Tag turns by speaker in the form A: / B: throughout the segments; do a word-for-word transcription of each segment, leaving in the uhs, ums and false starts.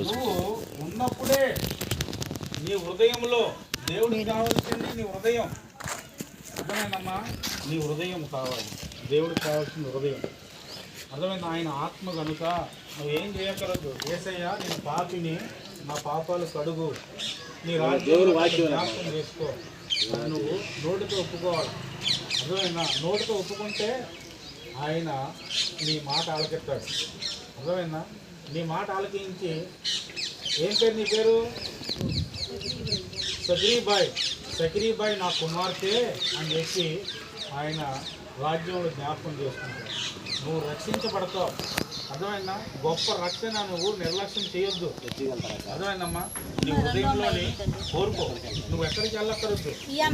A: నువ్వు ఉన్నప్పుడే నీ హృదయంలో దేవుడికి కావాల్సింది నీ హృదయం. అర్థమైందమ్మా? నీ హృదయం కావాలి. దేవుడికి కావాల్సింది హృదయం. అర్థమైంది? ఆయన ఆత్మ కనుక నువ్వేం చేయగలదు. యేసయ్య నేను పాపిని, నా పాపాలు కడుగు, నీ రాజ్యంలో జ్ఞాపకం చేసుకో. నువ్వు నోటితో ఒప్పుకోవాలి. అర్థమైందా? నోటితో ఒప్పుకుంటే ఆయన నీ మాట ఆలకెత్తాడు. అర్థమైందా? నీ మాట ఆలకించి, ఏం పేరు నీ పేరు? సక్రీబాయ్. సక్రీబాయ్ నా కుమార్తె అని చెప్పి ఆయన రాజ్యంలో జ్ఞాపకం చేసుకుంటాడు. నువ్వు రక్షించబడతావు. అర్థమైందా? గొప్ప రక్షణ నువ్వు నిర్లక్ష్యం చేయొద్దు. అర్థమైందమ్మా? నీ హృదయంలోని కోరుకో. నువ్వు ఎక్కడికి వెళ్ళక్కర్దు.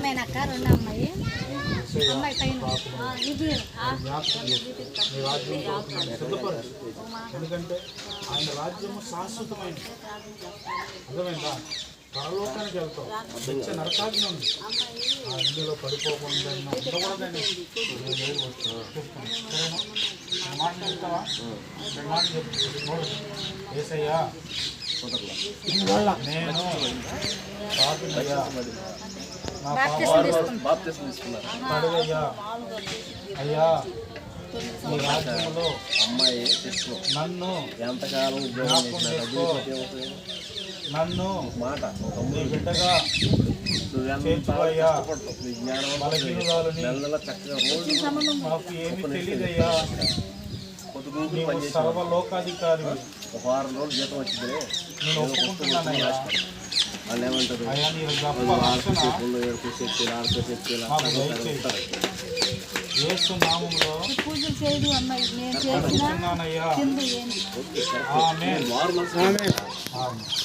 A: సిద్ధపరచు. ఎందుకంటే ఆయన రాజ్యము శాశ్వతమైనది. అర్థమైందా? పరలోకానికి వెళ్తావు. నిత్య నరకాగ్ని ఉంది. అందులో పడిపోకుండా ఉండకూడదని చెప్తాను. సరేనా? మాట చెప్తావా? మాట చెప్తా. ఏసయ్యా నేను పాపినయ్యా, నా పాపాలు అయ్యా, నీ రాజ్యంలో అమ్మాయి నన్ను ఎంతకాలం నన్ను మాట నీ బిడ్డగా చేర్చుకోయ్యా. బలహీనురాలని మాకు ఏమి తెలియదయ్యా. నీవు సర్వలోకాధికారి. వారం రోజులు జీతం వచ్చింది. నేను ఒప్పుకుంటున్నానయ్యా. వాళ్ళు ఏమంటారు? అయ్యా నీ గొప్ప రక్షణ మాకు దయచేయి. యేసు నామములో అడుగుతున్నానయ్యా. ఆమేన్.